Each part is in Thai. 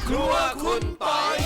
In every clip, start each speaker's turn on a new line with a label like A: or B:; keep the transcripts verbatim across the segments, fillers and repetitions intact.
A: ครัวคุณปอย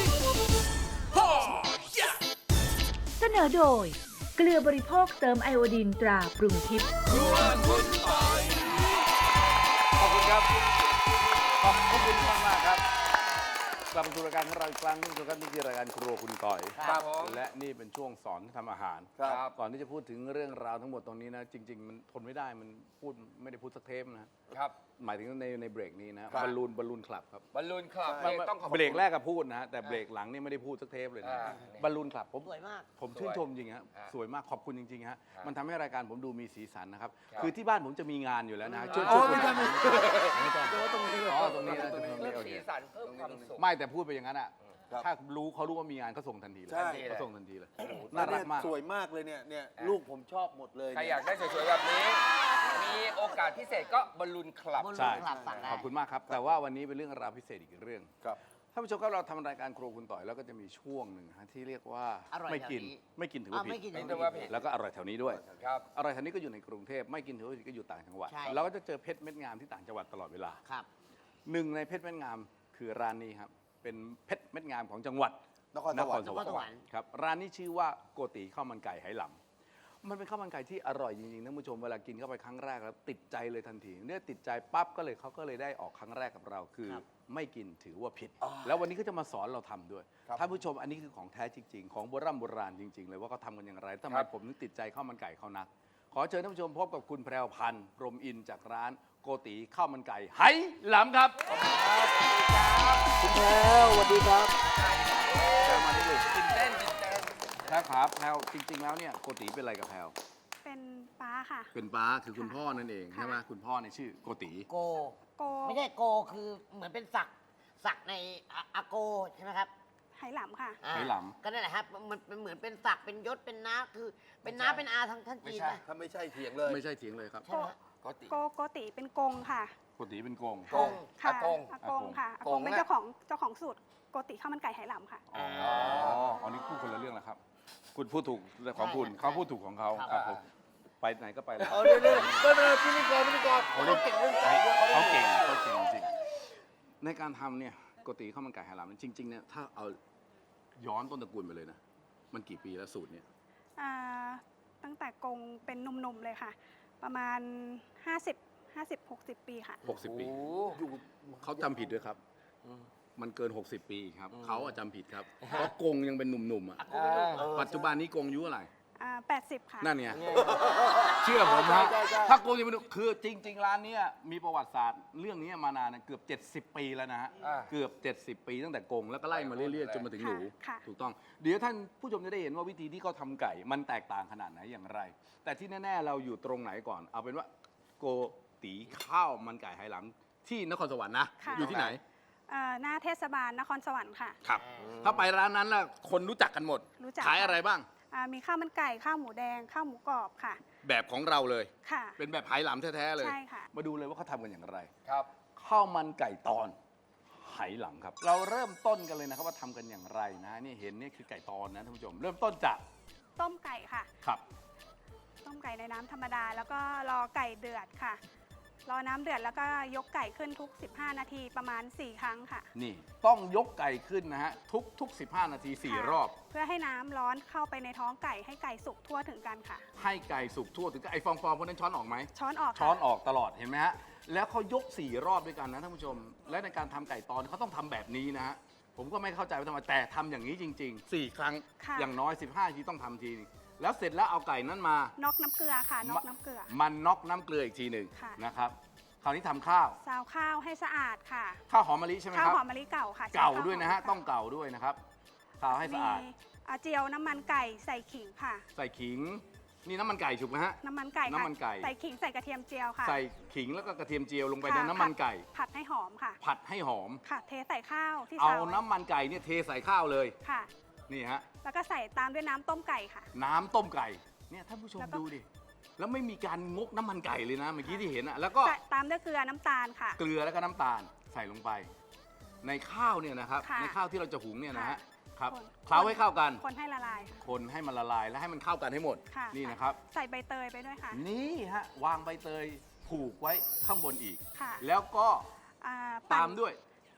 B: เสนอโดยเกลือบริโภคเติมไอโอดีนตราปรุงทิพย์
A: ครัวคุณปอย
C: ขอบคุณครับขอบคุณมากมากครับกลับมาสู่รายการของเราอีกครั้งนึงครับนี่คือรายการครัวคุณต่อย
A: ครับผม
C: และนี่เป็นช่วงสอนทำอาหาร
A: ครับ
C: ก่อนที่จะพูดถึงเรื่องราวทั้งหมดตรงนี้นะจริง ๆ มันทนไม่ได้มันพูดไม่ได้พูดสักเทปนะครับ หมายถึงในในเบรกนี้นะครับ บอลลูนบอลลูนคลับครับ
D: บอลลูนคลับ
C: ไม่
D: ต้องขอบคุณ
C: เบรกแรกก็พูดนะฮะแต่เบรกหลังนี่ไม่ได้พูดสักเทปเลยนะ
D: อ่า
C: บอลลูนคลับผม
E: สวยมาก
C: ผมชื่นชมจริงฮะ
D: อ่า
C: สวยมากขอบคุณจริงๆฮะ
D: อ่ามั
C: มันทำให้รายการผมดูมีสีสันนะครับ
D: ครับ
C: คือที่บ้านผมจะมีงานอยู่แล้วนะช่วย
D: อ๋
C: ช่
D: อ
C: วย
D: ไม่ใช่
C: ไม่ต้อง
D: ตรงนี้
C: อ๋อตรงนี้นะตรงนี้
D: เพิ่ม
C: โอ
D: สี
C: เค
D: สันเพิ่มความสุข
C: ไม่แต่พูดไปอย่างนั้นอ่ะ
A: ครับ
C: ถ้ารู้เขารู้ว่ามีงานเขาส่งทันทีเลย
A: ใช่
C: เขาส่งทันทีเลยน่ารักมาก
A: สวยมากเลยเนี่ยเนี่ยลูกผมชอบหมดเลย
D: ใครอยากได้สวยๆแบบนี้ มีโอกาสพิเศษก็บอลลูนคลับ
E: บอลลูน
C: ใช่
E: คลับสั่งได้
C: ขอบคุณมากครับ แต่ว่าวันนี้เป็นเรื่องราวพิเศษอีกเรื่อง
A: ครับ
C: ท่านผู้ชมครับเราทำรายการครัวคุณต่อยแล้วก็จะมีช่วงหนึ่งฮะที่เรียกว่า
E: อร่อย
C: ไม่กิน
E: แถวนี้
C: ไม่กินถือ
E: อ่า
C: ว่าผิ
E: ไม่กิน
C: ด
D: ไม่ถือว่าผิด
C: แล้วก็อร่อยแถวนี้ด้วย
D: ครับ
C: อร่อยแถวนี้ก็อยู่ในกรุงเทพไม่กินถือว่าผิดก็อยู่ต่างจังหวัด
E: ใช่
C: เราก็จะเจอเพชรเม็ดงามที่ต่างจังหวัดตลอดเวลา
E: ครับ
C: หนึ่งในเพชรเม็ดงามคือร้านนี้ครับเป็นเพชรเม็ดงามของจังหวัด
A: นครสวรรค์
C: นครสวรรค์ครับร้านนี้ชื่อว่าโกติข้าวมันไก่ไหหลำมันเป็นข้าวมันไก่ที่อร่อยจริงๆท่านผู้ชมเวลากินเข้าไปครั้งแรกแล้วติดใจเลยทันทีเนี่ยติดใจปั๊บก็เลยเขาก็เลยได้ออกครั้งแรกกับเราคือ
E: ครับ
C: ไม่กินถือว่าผิด แล้ววันนี้ก็จะมาสอนเราทำด้วย
A: ครับ
C: ท่านผู้ชมอันนี้คือของแท้จริง ๆ ของโบราณโบราณจริง ๆ เลยว่าเขาทำกันอย่างไรทำไม
D: ครับ
C: ผมถึงติดใจข้าวมันไก่เขานัก ขอเชิญท่านผู้ชมพบกับคุณแพรวพันธ์พรหมอินทร์จากร้านโกติข้าวมันไก่ไหหลำครับ
A: คุณแพรวสวัสดีครับ
C: แพรวมาที่ลูก
D: ตื่นเต้นตื่นเต้น
C: แพรวครับแพรวจริง ๆ แล้วเนี่ยโกติเป็นอะไรกับแพรว
F: เป็นป้าค่ะ
C: เป็นป้าคือคุณพ่อนั่นเองใช่ไหมคุณพ่อในยชื่อโกติ
E: โก
F: โก
E: ไม่ใช่โกคือเหมือนเป็นศักดิ์ศักดิ์ในอาอาโกใช่ไหมครับ
F: ไหหลำค่ะ
E: อ่า
C: ไหหลำ
E: ก็นั่นแหละครับมันเป็นเหมือนเป็นศักดิ์เป็นยศเป็นน้าคือเป็นน้าเป็นอาทางท่านจีนนะ
A: ถ้าไม่ใช่เถียงเลย
C: ไม่ใช่เถียงเลยครับ
E: ใช่ไหมฮะ
D: ก็ติ
F: โกโกติเป็นกงค่ะ
C: โกติเป็นโกง
D: โกง
F: ค่ะ
D: อากง
F: อากงค่ะอาก
D: ก
F: ง
D: ง
F: เป็น
D: นะ
F: เจ้าของเจ้าของสูตรโกติข้าวมันไก่ไหหลำค่ะ
C: อ๋ออันนี้พูดคนละเรื่องแล้วครับ คุณพูดถูกของคุณ
E: ใช่
C: เขาพูดถูกของเขา
E: ครับ
C: ครับผมไปไหนก็ไปแล้ว
A: เอาเดี๋ยวเดี๋ยวไม่เป็นไรพิธีกรพิธีกร
C: เขาเก่งเรื่องไก่เขาเก่งเขาเก่งจริงในการทำเนี่ยโกติข้าวมันไก่ไหหลำจริงๆเนี่ยถ้าเอาย้อนต้นตระกูลไปเลยนะมันกี่ปีแล้วสูตรเนี่ย
F: อ่า ตั้งแต่กงเป็นหนุ่มๆเลยค่ะ ประมาณ ห้าสิบ ห้าสิบ หกสิบ ปีค่ะ
C: หกสิบปี
A: อยู่
C: เขาจำผิดด้วยครับ มันเกิน หกสิบ ปีครับเขาอะจำผิดครับเพราะกงยังเป็นหนุ่มๆอ่ะ
E: อาโกเป็นลูก
C: ปัจจุบันนี้กงอายุอะไหร
F: อ่า แปดสิบ ค่ะ
C: นั่นไงเชื่อผมฮะถ้าโกงยังไม่รู้คือจริง ๆ ร้านเนี้ยมีประวัติศาสตร์เรื่องนี้มานานนะเกือบ เจ็ดสิบ ปีแล้วนะฮะ
D: อ่า
C: เกือบ เจ็ดสิบ ปีตั้งแต่กงแล้วก็ไล่มาเรื่อยๆจนมาถึงหนู
F: ค่ะ
C: ถูกต้องเดี๋ยวท่านผู้ชมจะได้เห็นว่าวิธีที่เขาทำไก่มันแตกต่างขนาดไหนอย่างไร แต่ที่แน่ๆเราอยู่ตรงไหนก่อน เอาเป็นว่าโกติข้าวมันไก่ไหหลำที่นครสวรรค์นะ
F: ค่ะ
C: อยู่ที่ไหน
F: อ่า หน้าเทศบาลนครสวรรค์ค่ะ
C: ครับ ถ้าไปร้านนั้นล่ะคนรู้จักกันหมด
F: รู้จัก
C: ขายอะไรบ้าง
F: อ่า มีข้าวมันไก่ ข้าวหมูแดง ข้าวหมูกรอบค่ะ
C: แบบของเราเลย
F: ค่ะ
C: เป็นแบบไหหลำแท้ๆเลย
F: ใช่ค่ะ
C: มาดูเลยว่าเขาทำกันอย่างไร
D: ครับ
C: ข้าวมันไก่ตอนไหหลำครับ เราเริ่มต้นกันเลยนะครับว่าทำกันอย่างไรนะนี่เห็นนี่คือไก่ตอนนะท่านผู้ชม เริ่มต้นจาก
F: ต้มไก่ค่ะ
C: ครับ
F: ต้มไก่ในน้ำธรรมดา แล้วก็รอไก่เดือดค่ะ รอน้ำเดือดแล้วก็ยกไก่ขึ้นทุก สิบห้า นาทีประมาณ สี่ ครั้งค่ะ
C: นี่ต้องยกไก่ขึ้นนะฮะทุกทุกสิบห้านาทีสี่
F: ค่ะ
C: รอบ
F: เพื่อให้น้ำร้อนเข้าไปในท้องไก่ให้ไก่สุกทั่วถึงกันค่ะ
C: ให้ไก่สุกทั่วถึงไอ้ฟองๆพวกนั้นช้อนออกไหม
F: ช้อนออกค่ะ
C: ช้อนออกตลอดเห็นไหมฮะแล้วเขายกสี่รอบด้วยกันนะท่านผู้ชม และในการทำไก่ตอนเขาต้องทำแบบนี้นะฮะผมก็ไม่เข้าใจว่าทำไมแต่ทำอย่างนี้จริงๆสี่ครั้ง
F: ค่ะ
C: อย่างน้อยสิบห้าทีต้องทำทีนึงแล้วเสร็จแล้วเอาไก่นั้นมา
F: น็อกน้ำเกลือค่ะน็อกน้ำเกลือ
C: มันน็อกน้ำเกลืออีกทีหนึ่ง
F: ค่ะ
C: นะครับ คราวนี้ทำข้าว
F: ซาวข้าวให้สะอาดค่ะ
C: ข้าวหอมมะลิใช่ไหม
F: ข้า
C: คว รับ
F: หอมมะลิเก่าค่ะใช้
C: เก่า
F: ข้
C: ด้วยนะฮะ
F: หมมลิ
C: ต้องเก่าด้วยนะครับข้าวให้
F: มี
C: สะอาด
F: อ่าเจียวน้ำมันไก่ใส่ขิงค่ะ
C: ใส่ขิง นี่น้ำมันไก่ถูกไหมฮะ
F: น้ำมันไก่ค่ะ
C: น้ำมันไก่
F: ใส่ขิงใส่กระเทียมเจียวค่ะ
C: ใส่ขิงแล้วก็กระเทียมเจียวลงไป
F: ค่ะ
C: ในน้ำมันไก่
F: ผัดให้หอมค่ะ
C: ผัดให้หอม
F: ค่ะ เทใส่ข้าวที่
C: เอา
F: ซาวไว้
C: น้ำมันไก่เนี่ยเทใส่ข้าวเลย
F: ค่ะ
C: นี่ฮะ
F: แล้วก็ใส่ตามด้วยน้ำต้มไก่ค่ะ
C: น้ำต้มไก่เนี่ยท่านผู้ชม
F: แล้วก็
C: ดูดิแล้วไม่มีการงกน้ำมันไก่เลยนะเมื่อกี้ที่เห็นอะแล้วก็
F: ใส่ตามด้วยเกลือน้ำตาลค่ะ
C: เกลือแล้วก็น้ำตาลใส่ลงไป ในข้าวเนี่ยนะครับ
F: ค่ะ
C: ในข้าวที่เราจะหุงเนี่ยนะฮะ
F: ค่ะ
C: ครับ
F: คน
C: เคล้าให้เข้ากัน
F: คนให้ละลายค่ะ
C: คนให้มันละลายและให้มันเข้ากันให้หมด
F: ค่ะ
C: นี่นะครับ
F: ใส่ใบเตยไปด้วยค่ะ
C: นี่ฮะวางใบเตยผูกไว้ข้างบนอีก
F: ค่ะ
C: แล้วก็
F: อ่
C: ตามด้วย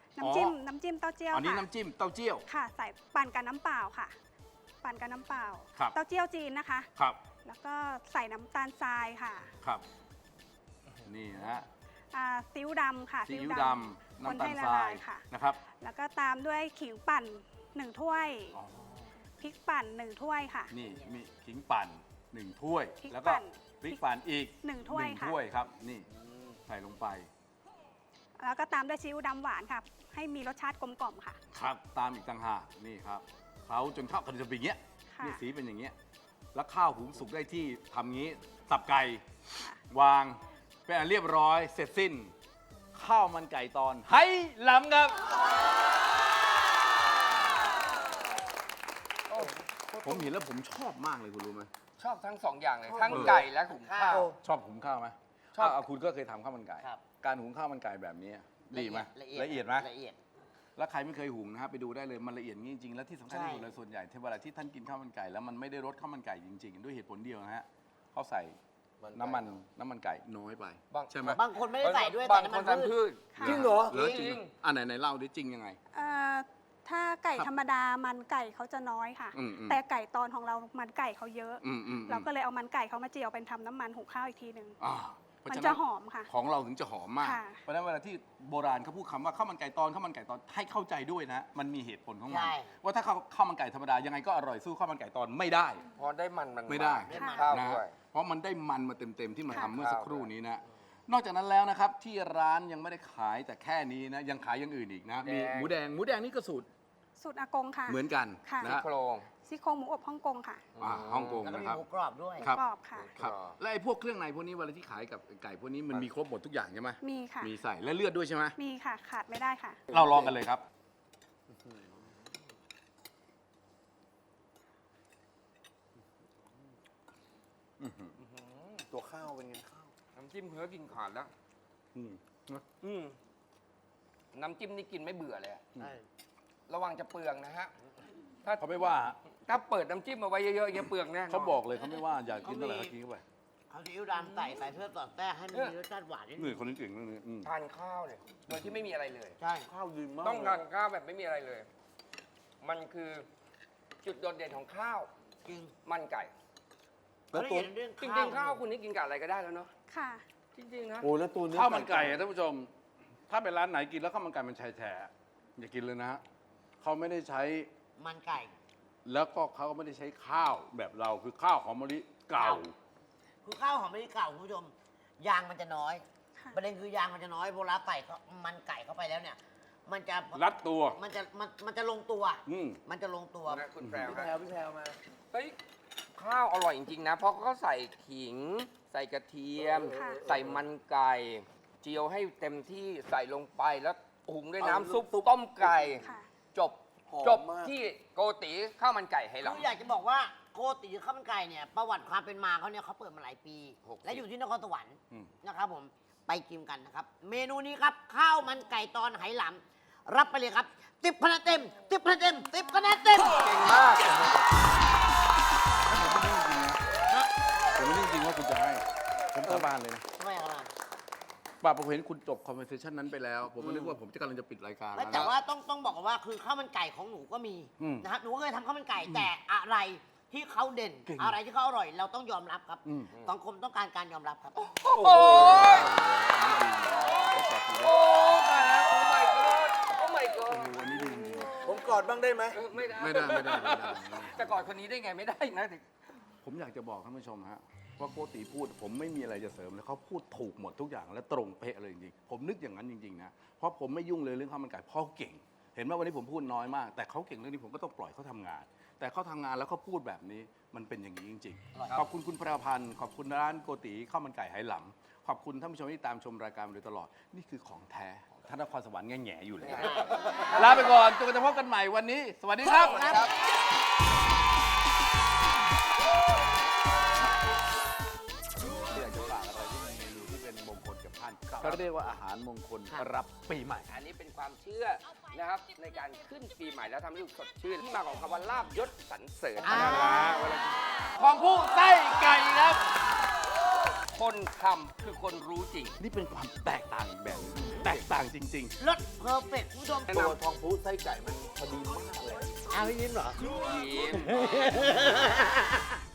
F: น้ำจิ้มน้ำจิ้มเต้าเจี้ยว
C: อันนี้
F: ค่ะ
C: น้ำจิ้มเต้าเจี้ยว
F: ค่ะ ใส่ปั่นกับน้ำเปล่าค่ะ ปั่นกับน้ำเปล่า
C: ครับ
F: เต้าเจี้ยวจีนนะคะ
C: ครับ
F: แล้วก็ใส่น้ำตาลทรายค่ะ
C: ครับ นี่นะฮะ
F: อ่าซีอิ๊วดำค่ะ
C: ซีอิ๊วดำ
F: คน
C: น้ำตาล
F: ให้ละ
C: ทรา
F: ลาย ยค่ะ
C: นะครับ
F: แล้วก็ตามด้วยขิงปั่นหนึ่งถ้วย
C: อ๋อ
F: พริกปั่นหนึ่งถ้วยค่ะ
C: นี่มีขิงปั่นหนึ่งถ้วย
F: พริก
C: แล้วก็
F: ปั่น
C: พริกปั่นอีก
F: หนึ่งถ้วย
C: หนึ่ง
F: ค่ะ
C: ถ้วยครับ นี่ใส่ลงไป
F: แล้วก็ตามด้วยซีอิ๊วดำหวานค่ะ ให้มีรสชาติกลมกล่อมค่ะ
C: ครับ ตามอีกต่างหากนี่ครับเคล้าจนข้าวกันจะเป็นอย่างเงี้ย
F: ค่ะ
C: นี่สีเป็นอย่างเงี้ย แล้วข้าวหุงสุกได้ที่ทำงี้ สับไก่
F: ค่ะ
C: วาง เป็นอันเรียบร้อย เสร็จสิ้น ข้าวมันไก่ตอนไหหลำครับ ผมเห็นแล้วผมชอบมากเลยคุณรู้ไหม
D: ชอบทั้งสองอย่างเลย ทั้งไก่และหุงข้าว
C: ชอบหุงข้าวไหม
D: ชอบ
C: ะะคุณก็เคยทำข้าวมันไก่
E: ครับ
C: การหุงข้าวมันไก่แบบนี้ดีไหม
E: ละเอียด
C: ละเอียดไหม
E: ละเอียด
C: แล้วใครไม่เคยหุงนะครับไปดูได้เลยมันละเอียดจริงๆแล้วที่สำคัญที่สุดเลยส่วนใหญ่ที่เวลาที่ท่านกินข้าวมันไก่แล้วมันไม่ได้รสข้าวมันไก่จริงๆ ด้วยเหตุผลเดียวนะฮะเขาใส่น้ำมันน้ำมันไก่น้อยไป
D: บาง
C: ใช่ไหม
E: บางคนไม่ได้ใส่ด้วย
D: บา
E: แต่
D: ง
E: น้ำ
D: ค
E: มัน
D: น
E: พื
D: ทำพื
E: ช
D: ช
F: ค่ะ
A: จริงเหรอ
C: เหรอจ
D: จริ
C: ริง
D: ง
C: อ่าไหนไหนเล่าดิจริงยังไง
F: เอ่อถ้าไก่
C: ครับ
F: ธรรมดามันไก่เขาจะน้อยค่ะ
C: อืมอืม
F: แต่ไก่ตอนของเรามันไก่เขาเยอะ
C: อืมอืม
F: เราก็เลยเอามันไก่เขามาเจียวเป็นทำน้ำมันหุงข้าวอีกทีหนึ่ง
C: อ่าเพรา
F: มัน
C: ฉะ
F: จะ
C: นั้น
F: หอมค่ะ
C: ของเราถึงจะหอมมาก
F: ค่ะ
C: เพราะฉะนั้นเวลาที่โบราณเขาพูดคำว่าข้าวมันไก่ตอนข้าวมันไก่ตอนให้เข้าใจด้วยนะ มันมีเหตุผลของมัน
E: ใช่
C: ว่าถ้าข้าวข้าวมันไก่ธรรมดายังไงก็อร่อยสู้ข้าวมันไก่ตอนไม่ได้
D: พอได้มันมัน
C: ไม่ได้
D: ได้มันข้าว
C: นะ
D: ด้วย
C: เพราะมันได้มันมาเต็มๆที่มัน
F: ค่ะ
C: ทำเมื่อสักครู่นี้นะ นอกจากนั้นแล้วนะครับที่ร้านยังไม่ได้ขายแต่แค่นี้นะยังขายอย่างอื่นอีกนะ มี
D: แดง
C: หมูแดงหมูแดงนี่ก็สูตร
F: สูตรอากงค่ะ
C: เหมือนกัน
F: ค่ะ
C: นะ
D: ซี่
C: ฮะ
D: โครง
F: ซี่โครงหมูอบฮ่องกงค่ะ
C: อ่าฮ่องกง
E: แล้วก็
C: นะ
E: มี
C: ครับ
E: หมูกรอบด้วย
C: ครับ
F: กรอบค่ะ
C: ครับและไอ้พวกเครื่องในพวกนี้เวลาที่ขายกับไก่พวกนี้มันมีครบหมดทุกอย่างใช่ไหม
F: มีค่ะ
C: มีใส่และเลือดด้วยใช่ไหม
F: มีค่ะ ขาดไม่ได้ค่ะ
C: เราลองกันเลยครับ
A: ตัวข้าวเป็นไงข้าว
D: น้ำจิ้มเพื่อกินขาดแล้ว
C: อืมนะ
D: อืมน้ำจิ้มนี่กินไม่เบื่อเลยอะ
E: ใช่
D: ระวังจะเปลืองนะฮะ ถ้า
C: เขาไม่ว่าฮะ
D: ถ้าเปิดน้ำจิ้มมาไว้เยอะๆอย่างเงี้ยเปลืองแน่นน
C: เขาบอกเลยเขาไม่ว่าอยากกินเท่าไหร่ก็กินเข้าไป
E: เขาซีอิ๊วดำใส่ใส่เพื่อสอดแทรกให้มันมีรสชาติหวานนิดนึ
C: นี่
E: ง
C: คนนี้เก่งเรื่องนี้อืม
D: ทานข้าวเนี่ยโดยที่ไม่มีอะไรเลย
E: ใช่
A: ข้าวดีมาก
D: ต้องทานข้าวแบบไม่มีอะไรเลย มันคือจุดโดดเด่นของข้าว
E: จริง
D: มันไก่
A: แล้ว
E: ละ
A: ตัว
E: เอียดเรื่อง
D: จริงๆข้าวคุณนี่กินกับอะไรก็ได้แล้วเนาะ
F: ค่ะ
D: จริงๆนะ
A: โอ้แล้วตัวเนื้อ
C: ข้าวมันไก่อะท่านผู้ชม ถ้าเป็นร้านไหนกินแล้วข้าวมันไก่มันแฉะๆอย่ากินเลยนะฮะเขาไม่ได้ใช้
E: มันไก่
C: แล้วก็เขาก็ไม่ได้ใช้ข้าวแบบเราคือข้าวหอมมะลิเก่า
E: คือข้าวหอมมะลิเก่าคุณผู้ชม ยางมันจะน้อย
F: ค่ะ
E: ประเด็นคือยางมันจะน้อยโบราณใส่ก็มันไก่เข้าไปแล้วเนี่ย มันจะ
C: รัดตัว
E: มันจะมันมันจะลงตัว
C: อืม
E: มันจะลงตัว
D: นะคุณแพรว
A: พี่แพร
D: นะ
A: วพี่แพรวมา
D: เฮ้ยข้าวอร่อยจริงๆนะ เพราะเขาใส่ขิง ใส่กระเทียม
F: ค่ะ
D: ใส่มันไก่ เจียวให้เต็มที่ใส่ลงไปแล้วหุงด้วย
A: เอา
D: น้ำซุป
A: ซุป
D: ต้มไก่
F: ค่ะ
D: จบ
A: หอม
D: จบ
A: มาก
D: ที่โกติข้าวมันไก่ไหห
E: คือ
D: ลำ
E: อยากจะบอกว่าโกติข้าวมันไก่เนี่ยประวัติความเป็นมาเขาเนี่ยเขาเปิดมาหลายปี
D: หกสิบ
E: และอยู่ที่นครสวรรค์
C: อืม
E: นะครับผมไปกินกันนะครับ เมนูนี้ครับ ข้าวมันไก่ตอนไหหลำรับไปเลยครับติบคะแนนเต็มติบคะแนนเต็มติบคะแนนเต็ม
D: เก่งมาก
C: ผมไม่ได้จริงว่าคุณจะให้ ผมสาบานเลยนะ
E: ทำไมครับ
C: ป่าผมเห็นคุณจบคอนเวอร์เซชันนั้นไปแล้ว ผมก็นึกว่าผมจะกำลังจะปิดรายการ
E: ไม่
C: แล้ว
E: แต่
C: นะ
E: ว่าต้องต้องบอกก่อนว่าคือข้าวมันไก่ของหนูก็มี
C: อืม
E: นะครับหนูก็เคยทำข้าวมันไก่แต่อะไรที่เขาเด่น
C: เก่ง
E: อะไรที่เขาอร่อย เราต้องยอมรับครับ
C: อืม
E: สังคมต้องการการยอมรับครับ
D: โอ้ยโอ้ตายแล้วโอ้ my god โอ้ my
C: โอ้
D: god
C: โหอันนี้ดีจริง
A: ผมกอดบ้างได้ไหม
D: เออไม่ได้
C: ๆไม่ได้ไม่ได้ไม่ได้
D: แต่ก่อนคนนี้ได้ไงไม่ได้นะ
C: ผมอยากจะบอกท่านผู้ชมฮะว่าโกติพูดผมไม่มีอะไรจะเสริมเลยเขาพูดถูกหมดทุกอย่างและตรงเป๊ะเลยจริงๆผมนึกอย่างนั้นจริงๆนะเพราะผมไม่ยุ่งเลยเรื่องข้าวมันไก่เพราะเขาเก่ง เห็นว่าวันนี้ผมพูดน้อยมาก แต่เขาเก่งเรื่องนี้ผมก็ต้องปล่อยเขาทำงาน แต่เขาทำงานแล้วเขาพูดแบบนี้มันเป็นอย่างนี้จริง
E: อร่อย
C: ๆ ขอบคุณคุณประพันธ์ขอบคุณร้านโกติข้าวมันไก่ไหหลำขอบคุณท่านผู้ชมที่ตามชมรายการมาโดยตลอดนี่คือของแท้ท่านนครสวรรค์แง่ๆอยู่เลยลาไปก่อนจนกระทั่งพบกันใหม่วันนี้ สวัสดีครับ อยากจะฝากอะไรที่เป็นเมนูที่เป็นมงคลกับท่านเขาเรียกว่าอาหารมงคลรับปีใหม่
D: อันนี้เป็นความเชื่อนะครับในการขึ้นปีใหม่แล้วทำให้รู้สึกสดชื่นที่มาของคำว่าลาบยศสรรเสริญ
E: อ่า
C: ของผู้ไส้ไก่ครับ
D: คนทำคือคนรู้จริง
C: นี่เป็นความแตกต่างอีกแบบหนึงแตกต่างจริง
E: รสเพอร์เฟกต์คุณผู้ชม
A: ตัวทองพูไส้ไก่มันพอดีมากเลย
E: เอาพี่ยิ้มเหรอ
D: ยิ้ม